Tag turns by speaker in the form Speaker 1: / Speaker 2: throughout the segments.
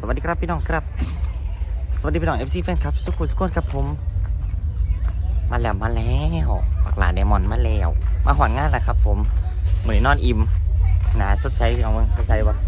Speaker 1: วัสดีครับพี่น้องครับสวัสดีพี่น้อง FC แฟนครับสุขุมสุขคนครับผมมาแล้วปักหลาเดมอนมาแล้วมาหอนงานแล้วครับผมเหมือนนอนอิ่มหนาสดใสพี่น้องสดใสปะ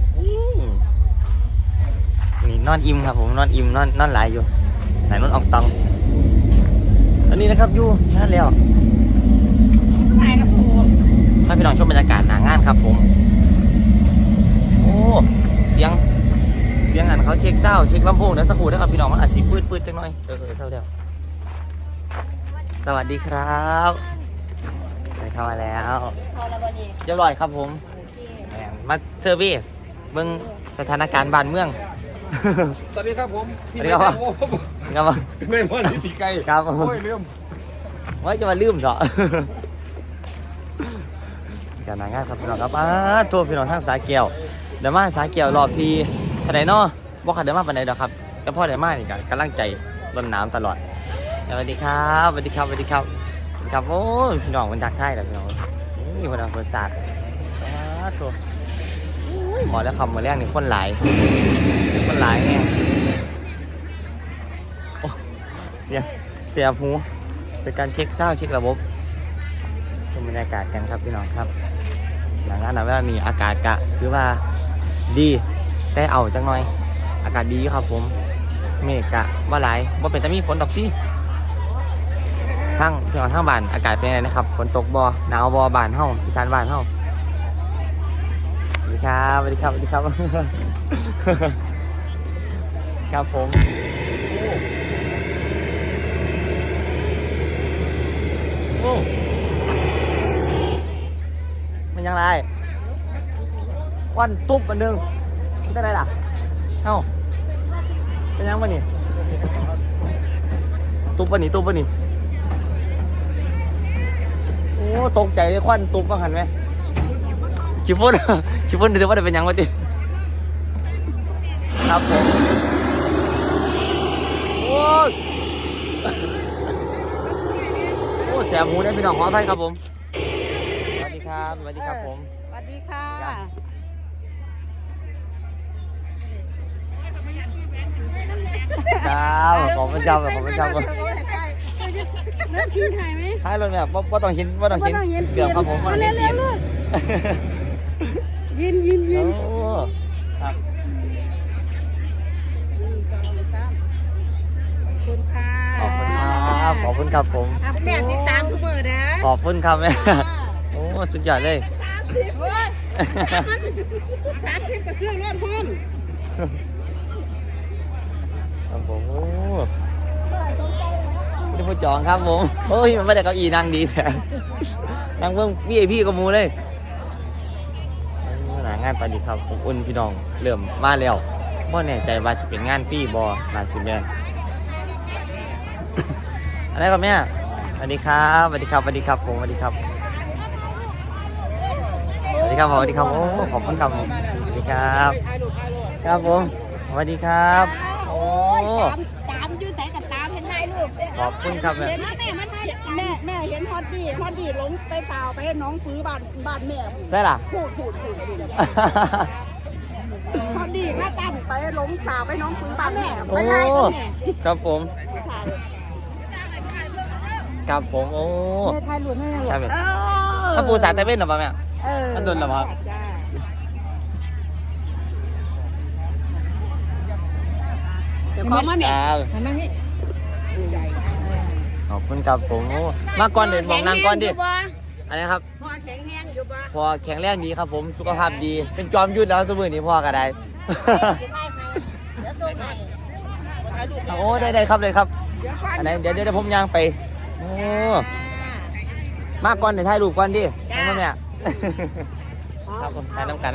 Speaker 1: นี่นอนอิ่มครับผมนอนอิ่มนอนหลายอยู่ไหนนอนออกตังตอนนี้นะครับอยู่นั่นแล้วถ่ายครับผมให้พี่น้องชมบรรยากาศหนางานครับผมโอ้เสียงอันเขาเช็คเศร้าเช็คลำโพงแล้วสักครู่นะครับพี่น้องมันอาจจะฟืดจังหน่อยเศร้าเดียวสวัสดีครับไปเข้ามาแล้วเรียบร้อยครับผมมาเซอร์วิสเบื้องสถานการณ์บ้านเมือง
Speaker 2: สวัสดีครับผม
Speaker 1: สวัสดีครับ
Speaker 2: ไม่พอดีตีไก่
Speaker 1: ครับโ
Speaker 2: อ้ยลืม
Speaker 1: ว่าจะมาลืมเหรอการงานครับพี่น้องครับทั่วพี่น้องทางสายเกี่ยวเดี๋ยวมาสายเกี่ยวรอบทีทนายนอบอกขัดเดี๋ยวมาปันไหนเด้อครับแต่พ่อเดี๋ยวมานี่กันกำลังใจล้นน้ำตลอดสวัสดีครับสวัสดีครับโอ้ยพี่น้องมันดักไทยแล้วพี่น้องนี่คนเอาศาสตร์ทั่วหมอแล้วคำมาแรกนี่คนหลายไงเสียหูเป็นการเช็คเศร้าเช็คระบบชมบรรยากาศกันครับพี่น้องครับหลังงานเวลามีอากาศกะคือว่าดีแต่เอาจังหน่อยอากาศดีครับผมเมฆกะว่าหลายว่าเป็นแต่มีฝนตกสิทั้งพี่น้องทั้งบ้านอากาศเป็นไงนะครับฝนตกบ่หนาวบ่บ้านเฮาอีสานบ้านเฮาสวัสดีครับครับผมโอ้มันยังไงวันตุ๊บอันนึงได้ไรล่ะเอ้าเป็นยังวะนี่ตุ๊บปะนี่โอ้ตกใจเลยควันตุ๊บบ้างหันไหมชิฟฟ่นถือว่าได้เป็นยังวะดิครับผมโอ้แสบหูได้พี่น้องขออภัยครับผมสวัสดีครับผม
Speaker 3: สวัสดีค่ะ
Speaker 1: ขอบคุณครับเ
Speaker 3: ริ่มทิ้งถ่ายไหม
Speaker 1: ถ่ายเลยแบบว่าต้องเห็นเกือบครับผมว่าเห็น
Speaker 3: ยิน
Speaker 1: ครับขอบคุณครับผม
Speaker 3: แม่ติดตามทุกเบอร์นะ
Speaker 1: ขอบคุณครับแม่โอ้สุดยอดเลย
Speaker 3: 30ก็ซื้อรถพุ่น
Speaker 1: ครับผมโอ้ไม่ได้พูดจองครับผมโอ้ยมันไม่ได้เก้าอี้นั่งดีแต่นั่งเพิ่งVIPกับมูเลยหางานไปดีครับผมอุ่นพี่น้องเริ่มมาแล้วพ่อแน่ใจว่าจะเป็นงานฟรีบอลานสิแม่อะไรครับแม่สวัสดีครับผมสวัสดีครับโอ้ขอบคุณครับสวัสดีครับครับผมสวัสดีครับโอ้
Speaker 3: ตามยืดแสงกับตามเห็นถ่ายรูป
Speaker 1: ขอบคุณครับแม่
Speaker 3: แม่เห็นฮอตดี้ลงไปสาวไปให้น้องปื้อบ้านแม่
Speaker 1: ใช่ล่ะ
Speaker 3: พูดฮอตดี้แม่ตั้งไปลงสาวไปน้องปื้อบ้านแม่
Speaker 1: โอ้ครับผมครับผมโอ้
Speaker 3: ถ่ายรูปให้
Speaker 1: ใช่ไหมถ้าปูสาแต่เป็นหรือเปล่าแม่มันโดนหรือเปล่า
Speaker 3: เดี๋ยวขอมาแม่
Speaker 1: ขอบคุณครับผมมาก่อนเดินมองนางก่อนดิอะไรครับ
Speaker 3: พ่อแข็งแรงอยู่ป่ะ
Speaker 1: พ่อแข็งแรงดีครับผมสุขภาพดีเป็นจอมยุทธแล้วสมือนี้พ่อก็ได้โอ้ได้ครับเลยครับอันไหนเดี๋ยวผมย่างไปโอ้มาก่อนเดี๋ยวถ่ายรูปก่อนดิให้มาแม่ครับผมถ่ายน้ำกัน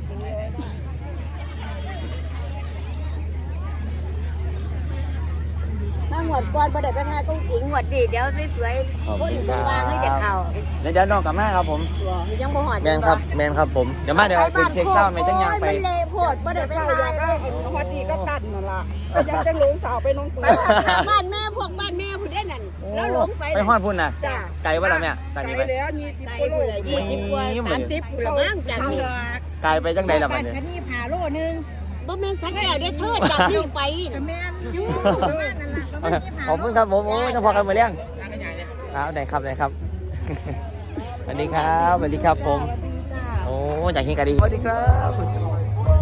Speaker 3: หวดก่อนประเดี๋ยวไปทายต้องถิงหวดดีเดี๋ยวสวยๆคนกลางให้จะเข่า
Speaker 1: เดี๋ยวน้องกับแม่ครับผม
Speaker 3: ยังบ่หอด
Speaker 1: แมนครับผมเดี๋ยวมาเดี๋ยวไปเช็คเศร้าไม่จังยังไป
Speaker 3: มันเละโพดประเดี๋ยวไปทายก็หวดดีก็ตัดนั่นล่ะยังจะหลงสาวไปน้องปืนบ้านแม่พูดได้นั่นแล้วหลง
Speaker 1: ไปฮอดพุ่นนะไกลว่าล่ะแม่
Speaker 3: ไกลแล้วมี10 โล20 กว่า30 กว่ามั้งจากนี้
Speaker 1: ไกลไปจังใดล่ะมัน
Speaker 3: เนี่ยคันนี้ผ่าโลนึงบ่แม่นสักแก้วได้เธอจากนี่ไปแม่นอยู่ประมาณนั้นล่ะประมาณนี้
Speaker 1: ขอบคุณครับผมโอ้ยต้องพอกันมาเลี้ยงครับได้ครับได้ครับ สวัสดีครับสวัสดีครับผมโอ้อยากเห็นกันดีสวัสดีครับ